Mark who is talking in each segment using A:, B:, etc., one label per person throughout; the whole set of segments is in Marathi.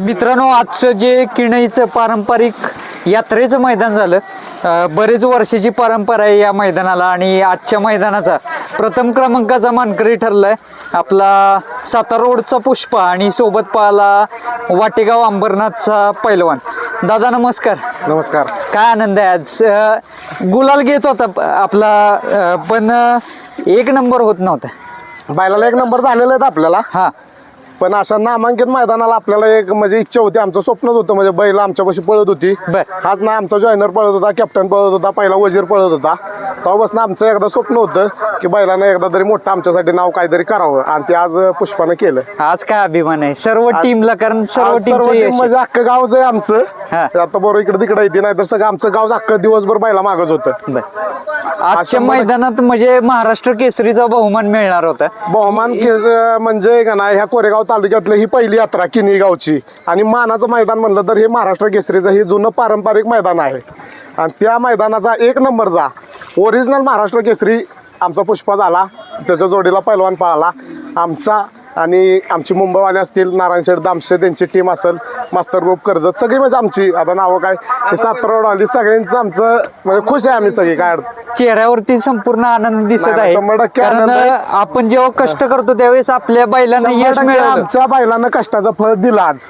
A: मित्रांनो, आजचं जे किणईचं पारंपरिक यात्रेचं मैदान झालं, बरेच वर्षाची परंपरा आहे या मैदानाला आणि आजच्या मैदानाचा प्रथम क्रमांकाचा मानकरी ठरलाय आपला सातारा रोडचा पुष्पा आणि सोबत पाहला वाटेगाव अंबरनाथचा पैलवान. दादा नमस्कार.
B: नमस्कार.
A: काय आनंद आहे आज. गुलाल घेत होता आपला, पण एक नंबर होत नव्हता.
B: बैलाला एक नंबर झालेला आहे आपल्याला,
A: हा,
B: पण अशा नामांकित मैदानाला आपल्याला एक म्हणजे इच्छा होती, आमचं स्वप्नच होतं. म्हणजे बैल आमच्यापाशी पळत होती.
A: बर.
B: हाच ना आमचा जॉयनर पळत होता, कॅप्टन पळत होता, पहिला वजीर पळत होता. तेव्हापासून आमचं एकदा स्वप्न होतं की बैलानं एकदा तरी मोठं आमच्यासाठी नाव काहीतरी करावं, आणि ते आज पुष्पानं केलं.
A: आज काय अभिमान आहे सर्व टीमला, कारण सर्व टीम
B: म्हणजे अख्खं गावच आहे आमचं.
A: हा.
B: आता बरोबर इकडे तिकडे येते, नाही तर सगळं आमचं गाव अख्खं दिवसभर बैला मागच होतं.
A: आजच्या मैदानात म्हणजे महाराष्ट्र केसरीचा बहुमान मिळणार होता.
B: बहुमान म्हणजे का नाही, ह्या कोरेगाव तालुक्यातली ही पहिली यात्रा किनी गावची, आणि मानाचं मैदान म्हणलं तर हे महाराष्ट्र केसरीचं हे जुनं पारंपरिक मैदान आहे. आणि त्या मैदानाचा एक नंबरचा ओरिजिनल महाराष्ट्र केसरी आमचा पुष्पा झाला. त्याच्या जोडीला पैलवान पळाला आमचा, आणि आमची मुंबईवाले असतील, नारायण शेठ दामशे त्यांची टीम असेल, मास्तर ग्रुप कर्जत, सगळी म्हणजे आमची आता नावं काय सातारा रोड आली, सगळ्यांचं आमचं म्हणजे खुश आहे आम्ही सगळी. काय
A: चेहऱ्यावरती संपूर्ण आनंद दिसत आहे,
B: 100%
A: कारण
B: आनंद आहे.
A: आपण जेव्हा कष्ट करतो त्यावेळेस आपल्या बैलांना यश मिळालं.
B: आमच्या बैलांना कष्टाचं फळ दिलं आज.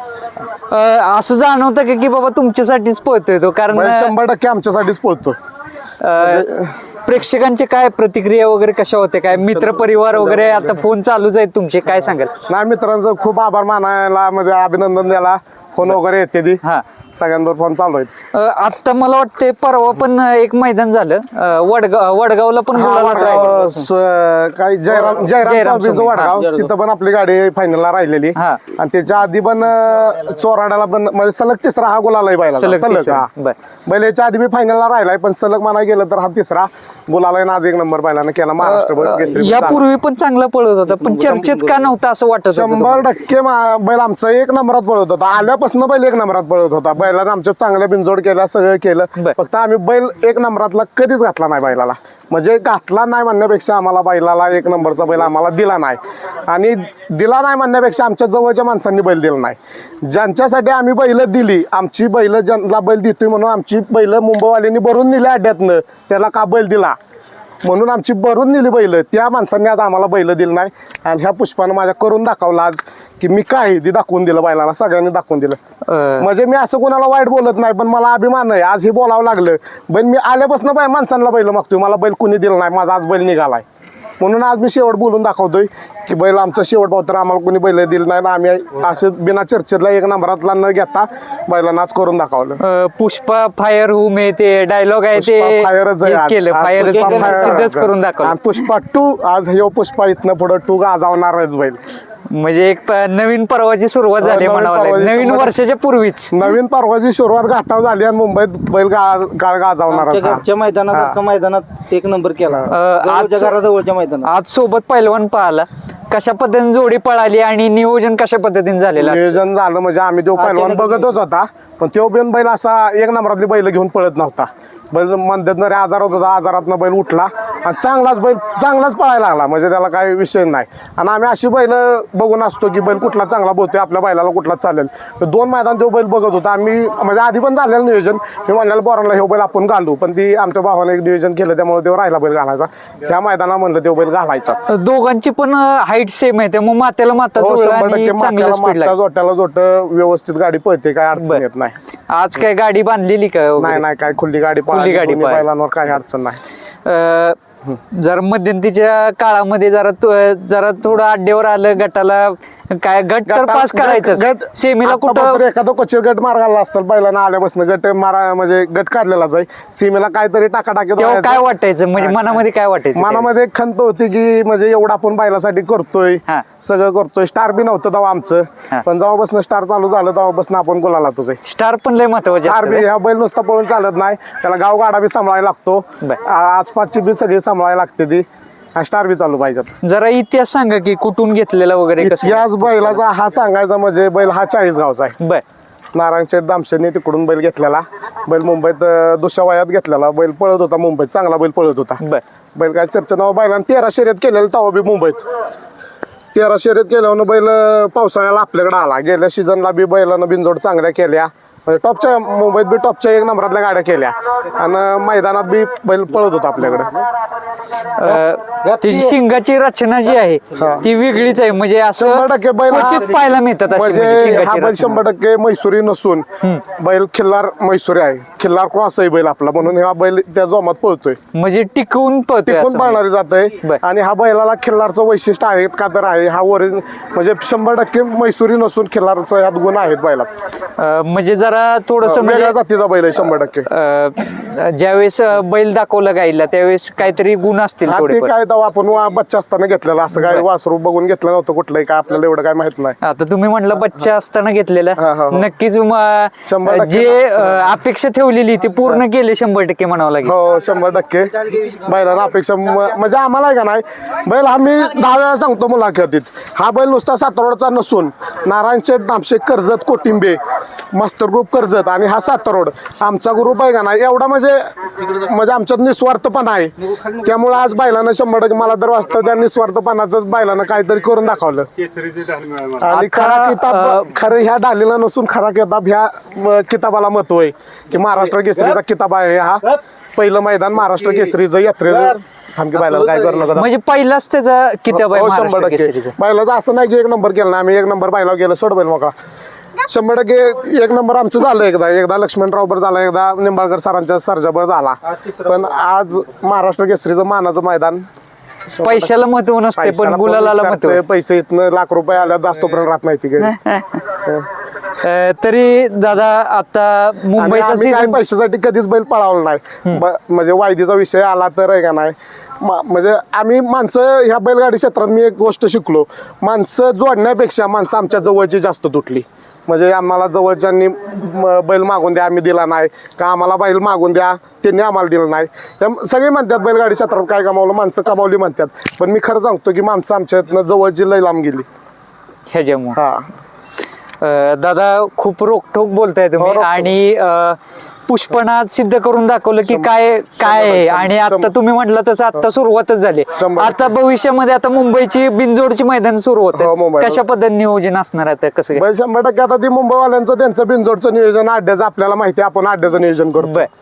A: असं जाणवतं की बाबा तुमच्यासाठीच पळतोय तो, कारण
B: 100% आमच्यासाठीच पळतो.
A: प्रेक्षकांचे काय प्रतिक्रिया वगैरे कशा होते, काय मित्र परिवार वगैरे आता फोन चालूच आहेत तुमचे, काय सांगाल?
B: नाही, मित्रांचं खूप आभार मानायला, म्हणजे अभिनंदन द्यायला फोन वगैरे येते ती.
A: हा,
B: सगळ्यांवर फोन चालू आहेत.
A: आता मला वाटते परवा पण एक मैदान झालं, वडगावला पण गुलाल राहिला.
B: काही जयराम वडगाव, तिथं पण आपली गाडी फायनलला राहिलेली.
A: हा.
B: आणि त्याच्या आधी पण चोराड्याला पण म्हणजे सलग तिसरा हा गुलाल आहे बैलाचा. सलग हा. बैल याच्या आधी मी फायनलला राहिलाय, पण सलग म्हणायला गेलं तर हा तिसरा गुलाल आहे. आज एक नंबर बैलानं केला महाराष्ट्र.
A: यापूर्वी पण चांगला पळत होता, पण चर्चेत का नव्हता असं वाटत?
B: 100% बैल आमचा एक नंबरात पळत होता. आल्यापासून बैल एक नंबरात पळत होता. बैलानं आमच्या चांगल्या बिनजोड केला, सगळं केलं. फक्त आम्ही बैल एक नंबरातला कधीच घातला नाही बैलाला. म्हणजे घातला नाही म्हणण्यापेक्षा आम्हाला बैलाला एक नंबरचा बैल आम्हाला दिला नाही, आणि दिला नाही म्हणण्यापेक्षा आमच्या जवळच्या माणसांनी बैल दिला नाही. ज्यांच्यासाठी आम्ही बैल दिली, आमची बैल ज्यांना बैल देतोय म्हणून आमची बैल मुंबईवाल्यांनी भरून नेली अड्ड्यातनं, त्याला का बैल दिला म्हणून आमची भरून नेली बैल, त्या माणसांनी आज आम्हाला बैल दिलं नाही. आणि ह्या पुष्पानं माझ्या करून दाखवलं आज की मी काय ते दाखवून दिलं बैलाला, सगळ्यांनी दाखवून दिलं. म्हणजे मी असं कोणाला वाईट बोलत नाही, पण मला अभिमान आहे आज हे बोलावं लागलं. पण मी आल्यापासून माणसांना बैल मागतोय, मला बैल कुणी दिलं नाही, माझा आज बैल निघालाय. म्हणून आज मी शेवट बोलून दाखवतोय की बैल आमचा शेवट भाव, तर आम्हाला कोणी बैल दिलं नाही. आम्ही असे बिना चर्चेला एक नंबरातला न घेता बैलांना आज करून दाखवलं.
A: पुष्पा फायर हू मे ते डायलॉग आहे ते सिद्धच करून दाखवलं.
B: पुष्पा 2 आज हे पुष्पा इथनं पुढे 2 गाजावणारच बैल.
A: म्हणजे एक नवीन पर्वाची सुरुवात झाली म्हणावं लागेल, नवीन वर्षाच्या पूर्वीच नवीन
B: पर्वाची सुरुवात घाटाव झाली, आणि मुंबईत बैल गाजावणार.
C: मैदानात एक नंबर केला. घराजवळच्या मैदानात
A: आज सोबत पैलवान पळाला, कशा पद्धतीने जोडी पळाली आणि नियोजन कशा पद्धतीने झालेलं?
B: नियोजन झालं म्हणजे आम्ही तो पैलवान बघतच होता, पण तो बिन बैल असा एक नंबरातली बैल घेऊन पळत नव्हता. बैल मंदतनरे आजारात होता, आजारातनं बैल उठला आणि चांगलाच पळायला लागला, म्हणजे त्याला काही विषय नाही. आणि आम्ही अशी बैल बघून असतो की बैल कुठला चांगला बोलतोय, आपल्या बैलाला कुठला चालेल. 2 मैदान तो बैल बघत होता. आम्ही म्हणजे आधी पण झालेलं नियोजन, मी म्हणलेलं बोरांना हे बैल आपण घालू, पण ती आमच्या भावाने एक नियोजन केलं, त्यामुळे तो राहिला बैल घालायचा. त्या मैदानात म्हणलं तो बैल घालायचा.
A: दोघांची पण हाईट सेम आहे, त्यामुळे मात्याला माता
B: जोट्याला जोट व्यवस्थित गाडी पळते, काय अडचण येत नाही.
A: आज काय गाडी बांधलेली का?
B: नाही, काय खुली गाडी बैलांवर काही अडचण नाही.
A: जर मध्यंतरीच्या काळामध्ये जरा थोडं अड्डेवर आलं गटाला, काय गट तर पास करायचं, सेमीला कुठं
B: एखादं क्वचित गट मार्गाला असतात बैलांना आल्यापासून गट मारा, म्हणजे गट काढलेलाच आहे. सीमेला काहीतरी टाकाटाकी
A: काय वाटायचं, म्हणजे मनामध्ये काय वाटायचं?
B: मनामध्ये एक खंत होती की म्हणजे एवढं आपण बैलासाठी करतोय, सगळं करतोय. स्टार बी नव्हतं तेव्हा आमचं, पण जेव्हापासून स्टार चालू झालं तेव्हापासून आपण गुलालातच आहे.
A: स्टार पण लय महत्वाचे.
B: स्टार बी ह्या बैल नुसता पळून चालत नाही, त्याला गावगाडा बी सांभाळायला लागतो, आसपासची बी सगळी सांभाळायला लागते ती, स्टार बी चालू पाहिजेत.
A: जरा इतिहास सांगा की कुठून घेतलेला वगैरे.
B: इतिहास बैलाचा हा सांगायचा म्हणजे बैल हा 40 गावचा आहे. नारायण शेठ दामशेने तिकडून बैल घेतलेला. बैल मुंबईत दुसऱ्या वयात घेतलेला. बैल पळत होता मुंबईत, चांगला बैल पळत होता. बैल काय चर्चा नाव बैलांना 13 शर्यत केलेलं तेव्हा बी मुंबईत. 13 शर्यत केल्यावर बैल पावसाळ्याला आपल्याकडे आला. गेल्या सीझनला बी बैलानं बिनजोड चांगल्या केल्या, म्हणजे टॉपच्या मुंबईत बी टॉपच्या 1 नंबरातल्या गाड्या केल्या आणि मैदानात बी बैल पळत होता आपल्याकडे.
A: त्याची शिंगाची रचना जी आहे ती वेगळीच आहे, म्हणजे असं
B: 100% बैल
A: क्वचित पाहायला मिळतात अशी म्हणजे
B: म्हणजे
A: शिंगाची
B: हा बैल
A: रचना.
B: 100% मैसुरी नसून बैल खिल्लार मैसुरी आहे. खिल्लार क्रॉस आहे बैल आपला, म्हणून हा बैल त्या जोमात पळतोय,
A: म्हणजे टिकवून पळतोय
B: टिकून
A: असं
B: पाळणारी जातंय.
A: बर.
B: आणि हा बैलाला खिल्लारचं वैशिष्ट्य आहे का तर आहे, हा ओरिजिन म्हणजे 100% मैसुरी नसून खिल्लारचं यात गुण आहेत बैलात.
A: म्हणजे जरा थोडस
B: वेगळ्या जातीचा बैल आहे 100%.
A: ज्यावेळेस बैल दाखवला गाईला त्यावेळेस काहीतरी गुण असतील
B: हा, ते
A: थोडेफार.
B: काय तेव्हा आपण बच्चा असताना घेतलेला, असं काय वासरू बघून घेतलं नव्हतं कुठलंही, काय आपल्याला एवढं काय माहित नाही.
A: आता तुम्ही म्हटलं बच्चा असताना घेतलेला,
B: हा, हा, हा.
A: नक्कीच
B: 100%
A: जे अपेक्षा ठेवलेली ती पूर्ण केली 100% म्हणावं लागेल.
B: हो 100% बैलांना अपेक्षा म्हणजे आम्हाला आहे का नाही, बैल आम्ही 10 वेळा सांगतो मुलाखतीत, हा बैल नुसता सातारोडचा नसून नारायणशेठ, नामशेठ, कर्जत, कोटिंबे, मास्टर ग्रुप कर्जत आणि हा सातारोड आमचा ग्रुप आहे का नाही, एवढा म्हणजे आमच्यात निस्वार्थपणा आहे. त्यामुळे आज बैलानं 100% मला तर वाटतं त्या निस्वार्थपणाच बैलानं काहीतरी करून दाखवलं. आणि खरा किताब खरं ह्या डालीला नसून खरा किताब ह्या किताबाला महत्व आहे की महाराष्ट्र केसरीचा किताब आहे हा. पहिलं मैदान महाराष्ट्र केसरीचं यात्रेचं. थांबकी बैलाला काय करू नका.
A: म्हणजे पहिलाच त्याचा किताब आहे
B: हो,
A: महाराष्ट्र
B: 100%
A: केसरीचा.
B: बैलाचं असं नाही की 1 नंबर केला ना आम्ही, 1 नंबर बैलावर गेलो सोड बैल मोकळा. 100% 1 नंबर आमचं झालं. एकदा लक्ष्मणराव बर झाला, एकदा निंबाळकर सरांच्या सर्जाबर झाला, पण आज महाराष्ट्र केसरीचं मानाचं मैदान.
A: पैशाला महत्व नसते पण गुलालाला महत्व.
B: पैसे इथनं लाख रुपये आल्या जास्त पर्यंत राहत नाही ती.
A: तरी दादा आता मुंबईचा
B: काही
A: सीझन
B: पैशासाठी कधीच बैल पळावला नाही. म्हणजे वायदीचा विषय आला तर आहे का नाही, म्हणजे आम्ही माणसं ह्या बैलगाडी क्षेत्रात मी एक गोष्ट शिकलो, माणसं जोडण्यापेक्षा माणसं आमच्या जवळची जास्त तुटली. म्हणजे आम्हाला जवळच्यांनी बैल मागून द्या, आम्ही दिला नाही, का आम्हाला बैल मागून द्या, त्यांनी आम्हाला दिलं नाही. सगळे म्हणतात बैलगाडी क्षेत्रात काय कमावलं, माणसं कमावली म्हणतात, पण मी खरं सांगतो की माणसं आमच्या इथनं जवळची लय लांब गेली.
A: ह्याच्यामुळे
B: हा
A: दादा खूप रोखठोक बोलताय तुम्ही
B: रोखठोक.
A: आणि पुष्पना आज सिद्ध करून दाखवलं की काय आहे. आणि आता तुम्ही म्हटलं तसं आता सुरुवातच झाली.
B: 100%.
A: आता भविष्यामध्ये आता मुंबईची बिनजोडची मैदान सुरू होत
B: हो, मुंबईला.
A: कशा पद्धतीने नियोजन असणार आहे आता कसं काय?
B: बैल 100% आता ती मुंबईवाल्यांचं त्यांचं बिनजोडचं नियोजन, अड्ड्याचं आपल्याला माहिती आहे, आपण अड्ड्याचं नियोजन करतो.
A: बर.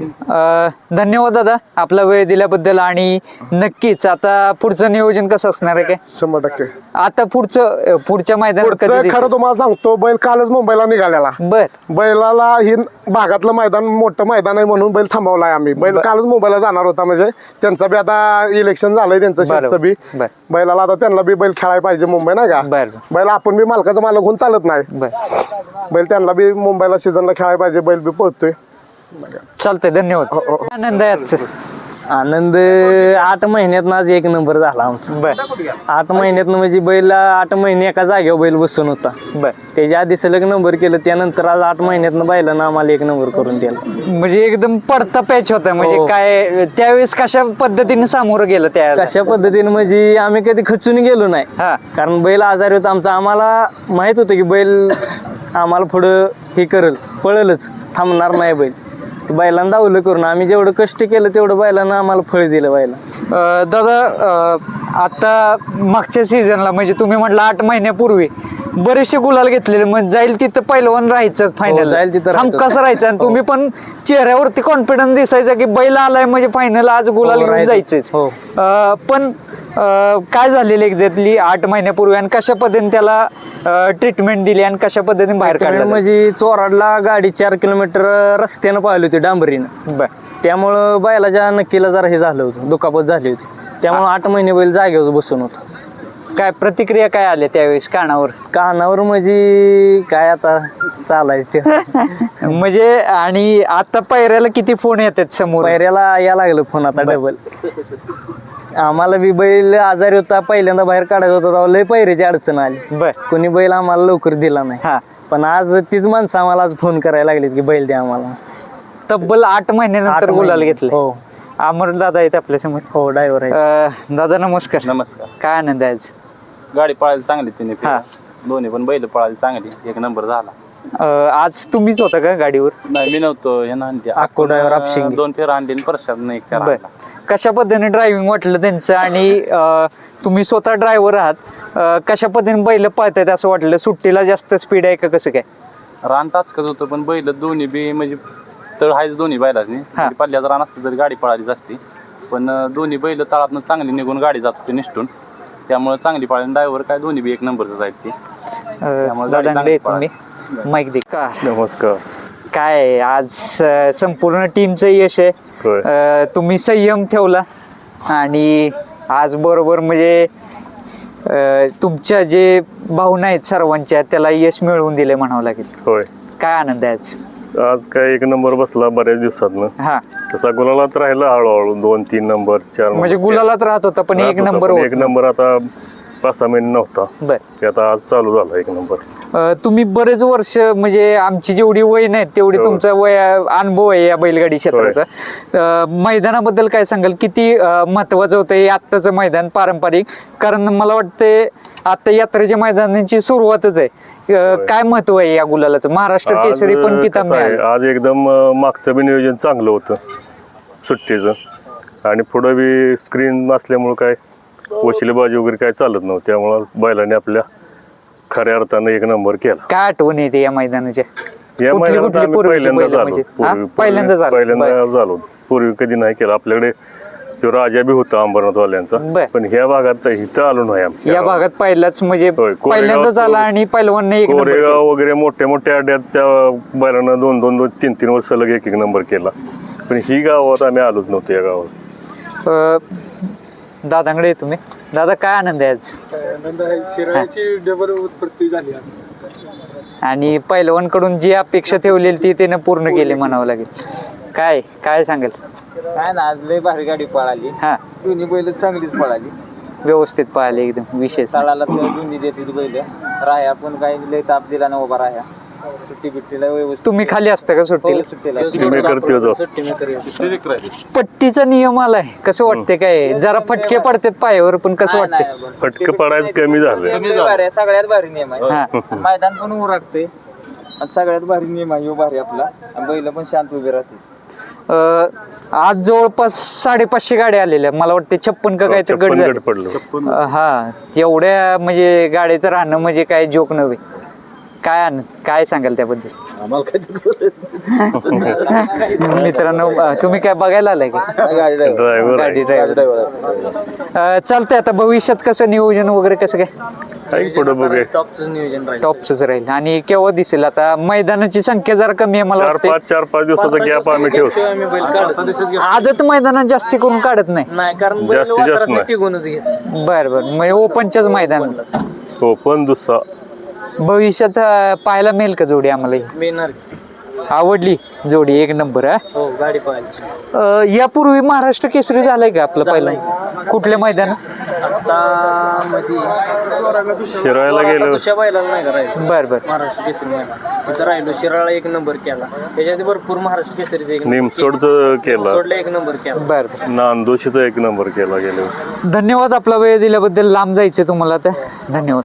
A: धन्यवाद दादा आपला वेळ दिल्याबद्दल. आणि नक्कीच आता पुढचं नियोजन कसं असणार आहे काय
B: 100%.
A: आता पुढच्या मैदानात
B: पुढचं
A: कधी
B: खरं तुम्हाला सांगतो, बैल कालच मुंबईला निघालेला.
A: बर
B: बैलाला ही भागातलं मैदान मोठं मैदान आहे म्हणून बैल थांबवलाय आम्ही. बैल कालच मुंबईला जाणार होता, म्हणजे त्यांचं बी आता इलेक्शन झालंय त्यांचं शेतचं बी.
A: बर.
B: बैलाला आता त्यांना बी बैल खेळायला पाहिजे मुंबई, नाही का.
A: बर.
B: बैल आपण बी मालकाचा मालक होऊन चालत नाही.
A: बर
B: बैल त्यांना बी मुंबईला सीझनला खेळायला पाहिजे, बैल बी पळतोय.
A: चालतंय. धन्यवाद. आनंद आहे आजचं.
C: आनंद 8 महिन्यात आज 1 नंबर झाला आमचा.
A: बर
C: 8 महिन्यात म्हणजे बैल 8 महिने एका जागेवर बैल बसून होता.
A: बर.
C: त्याच्या आधी सलग नंबर केलं, त्यानंतर आज 8 महिन्यात बैलानं आम्हाला 1 नंबर करून दिला.
A: म्हणजे एकदम पडता पॅच होता. म्हणजे
C: हो.
A: काय त्यावेळेस कशा पद्धतीने सामोरं गेलं त्या
C: कशा पद्धतीने म्हणजे आम्ही कधी खचून गेलो नाही,
A: हा.
C: कारण बैल आजारी होता आमचा. आम्हाला माहित होतं की बैल आम्हाला पुढं हे करेल, पळेलच, थांबणार नाही बैल. बैलांना दावलं करून आम्ही जेवढं कष्ट केलं तेवढं बैलानं आम्हाला फळ दिलं. बैला
A: दादा आता मागच्या सीझनला म्हणजे तुम्ही म्हटलं 8 महिन्यापूर्वी बरेचसे गुलाल घेतलेले, मग जाईल तिथं पहिलवान राहायचं फायनल,
C: जाईल तिथं राहायचं.
A: कसं राहायचं. आणि तुम्ही पण चेहऱ्यावरती कॉन्फिडन्स दिसायचा की बैल आलाय म्हणजे फायनल आज गुलाल घेऊन
C: राहायचं.
A: जायचंच.
C: हो.
A: पण काय झालेलं एक्झॅक्टली 8 महिन्यापूर्वी आणि कशा पद्धतीने त्याला ट्रीटमेंट दिली आणि कशा पद्धतीने बाहेर काढलं?
C: म्हणजे चोराडला गाडी 4 किलोमीटर रस्त्यानं पाहिली होती डांबरीनं.
A: बर.
C: त्यामुळं बैलाच्या नक्कीला जरा हे झालं होतं, दुखापत झाली होती. त्यामुळे 8 महिने बैल जागेवर बसून होता.
A: काय प्रतिक्रिया काय आल्या त्यावेळेस कानावर
C: म्हणजे काय आता चालायचं ते.
A: म्हणजे आणि आता पायऱ्याला किती फोन येतात समोर?
C: पायऱ्याला या लागलं फोन आता डबल. आम्हाला बी बैल आजारी होता, पहिल्यांदा बाहेर काढायचा होता तेव्हा लय पायऱ्याची अडचण आली.
A: बर.
C: कोणी बैल आम्हाला लवकर दिला नाही.
A: हा.
C: पण आज तीच माणसं आम्हाला आज फोन करायला लागलीत की बैल द्या आम्हाला.
A: तब्बल 8 महिन्यानंतर
C: 8
A: गुलाल
C: महिने.
A: घेतले.
C: हो
A: अमर दादा आहेत आपल्या समोर.
C: हो ड्रायव्हर आहे.
A: दादा नमस्कार.
D: नमस्कार.
A: काय आनंद आहे आज?
D: गाडी पळायला चांगली तिने
A: हा.
D: दोन्ही पण बैल पळायला चांगली, 1 नंबर झाला.
A: आज तुम्हीच होता का गाडीवर?
D: नाही मी नव्हतो हे नांदी
C: अक्को driver आपशिंगे.
D: 2 फेर आणली प्रसाद नाही करा
A: बर, कशा पद्धतीने ड्रायव्हिंग वाटलं त्यांचं आणि तुम्ही स्वतः ड्रायव्हर आहात, कशा पद्धतीने बैल पळतायत असं वाटलं? सुट्टीला जास्त स्पीड आहे का कसं काय?
D: रान टाचकत होतं पण बैल दोन्ही बी म्हणजे तळ आहेच दोन्ही बैलाच नाही पल्ल्याचं रान असतं तरी गाडी पळालीच असते, पण दोन्ही बैल तळातनं चांगली निघून गाडी जात होती निष्ठून, त्यामुळे चांगली पळाली. ड्रायव्हर काय दोन्ही बी एक नंबरच आहेत ते. त्यामुळे गाडी
A: दादांकडे
D: चांगली
A: तुम्ही माईक दे का?
E: नमस्कार.
A: काय आहे, आज संपूर्ण टीमचं यश आहे. तुम्ही संयम ठेवला आणि आज बरोबर म्हणजे तुमच्या जे भावना आहेत सर्वांच्या त्याला यश मिळवून दिले म्हणावं लागेल.
E: होय,
A: काय आनंद आहे आज?
E: आज काय एक नंबर बसला बऱ्याच दिवसातनं.
A: हा,
E: तसा गुलालात राहिला हळूहळू 2-3 नंबर 4
A: म्हणजे गुलालात राहत होता पण एक नंबर
E: एक नंबर आता 5-6 महिने नव्हता.
A: बर,
E: ते आता आज चालू झाला एक नंबर.
A: तुम्ही बरेच वर्ष म्हणजे आमची जेवढी वय नाही तेवढी तुमचा अनुभव आहे या बैलगाडी क्षेत्राचा. मैदानाबद्दल काय सांगाल? किती महत्वाचं होतं हे आत्ताचं मैदान पारंपरिक? कारण मला वाटतं आता यात्रेच्या मैदानाची सुरुवातच आहे. काय महत्व आहे या गुलालाचं? महाराष्ट्र केसरी पण किताब
E: कसं आहे,
A: मिळाला.
E: आज एकदम मागचं बी नियोजन चांगलं होतं सुट्टीचं आणि पुढं बी स्क्रीन असल्यामुळं काय वशिलेबाजी वगैरे काय चालत नव्हतं, त्यामुळं बैलाने आपल्या खऱ्या अर्थानं एक नंबर केला.
A: काय आठवण येते या मैदानाच्या?
E: या
A: कुठली
E: महिन्यात
A: कुठली
E: आम्ही
A: पूर्वीची
E: पहिल्यांदा
A: बैलं म्हणजे? हा?
E: झालो.
A: पहिल्यांदा झालं.
E: पहिल्यांदा झालो. पूर्वी कधी नाही केलं. आपल्याकडे तो राजा बी होता अंबरनाथवाल्यांचा,
A: बर.
E: पण ह्या भागात इथं आलो नाही आम्ही.
A: या भागात पहिलाच म्हणजे
E: होय,
A: पहिल्यांदा झाला आणि पहिलवानने एक नंबर केला.
E: कोरेगाव वगैरे मोठ्या मोठ्या अड्ड्यात त्या बैलांना 2-3 वर्ष सलग एक नंबर केला, पण ही गावात आम्ही आलोच नव्हतो. या गावात
A: दादांकडे तुम्ही दादा काय आनंद आहे आज?
F: डबल उत्पत्ती झाली आज.
A: आणि पहिलवानकडून जी अपेक्षा ठेवलेली ती त्यानं पूर्ण केली म्हणावं लागेल. काय काय सांगेल?
F: काय ना आज लय भारी गाडी पळाली.
A: हा,
F: दोन्ही बैल चांगलीच पळाली.
A: व्यवस्थित पाहिले एकदम विशेष.
F: साळाला दोन्ही देते बैल. राह्या पण काही लय ताप दिला ना उभा राह्या. सुट्टी बिट्टीला व्यवस्थित.
A: तुम्ही खाली असता का सुट्टीला?
F: सुट्टीला
E: तुम्ही करते होतो.
A: पट्टीचा नियम आलाय, कसं वाटते? काय जरा फटके पडतात पायावर पण कसं वाटते?
E: फटकं पडायचं कमी झालं.
F: सगळ्यात भारी नियम आहे.
A: हा,
F: मैदान पण उरकते आणि सगळ्यात भारी नियम आहे. ह्यो भारी आपला आणि बैल पण शांत उभे राहते.
A: आज जवळपास 550 गाड्या आलेल्या. मला वाटते 56 का काहीतरी गट
E: 56
A: झाले.
E: गट पडलं.
A: हा, एवढ्या म्हणजे गाडीत राहणं म्हणजे काय जोक नव्हे. काय सांगाल त्याबद्दल? मित्रांनो, तुम्ही काय बघायला आलाय का?
E: ड्रायव्हर
A: गाडी ड्रायव्हर. चालतंय. आता भविष्यात कसं नियोजन वगैरे कसं काय?
E: पुढे बघूया.
F: टॉपचं नियोजन राहील.
A: टॉपच राहील. आणि केव्हा दिसेल? आता मैदानाची संख्या जरा कमी आहे मला वाटतं.
E: 4-5 दिवसाचा गॅप आम्ही ठेवतो.
A: आदत मैदानात जास्ती करून काढत नाही.
F: नाही कारण
E: जास्तीत जास्त नाही.
F: टिकूनच घेत.
A: बर बर, म्हणजे ओपनच्याच मैदान.
E: हो, पण दुसरा
A: भविष्यात पाहायला मिळेल का जोडी आम्हाला ही?
F: मिळणार.
A: आवडली जोडी एक नंबर.
F: हो, गाडी पळाली.
A: यापूर्वी महाराष्ट्र केसरी झालाय का आपलं पहिला? कुठल्या मैदानात?
F: आता मध्ये
E: शिरायला गेलो.
F: दुसऱ्या बैलाला नाही करायचं.
A: बर बर.
F: महाराष्ट्र केसरी मैदान तिथं राहिलो. शिराळा एक नंबर केला. त्याच्यात भरपूर महाराष्ट्र केसरीचा एक
E: निमसोडचं केला.
F: सोडला एक नंबर केला.
A: बर बर.
E: नांदोशीचा एक नंबर केला गेलो.
A: धन्यवाद आपला वेळ दिल्याबद्दल. लांब जायचं तुम्हाला आता. धन्यवाद.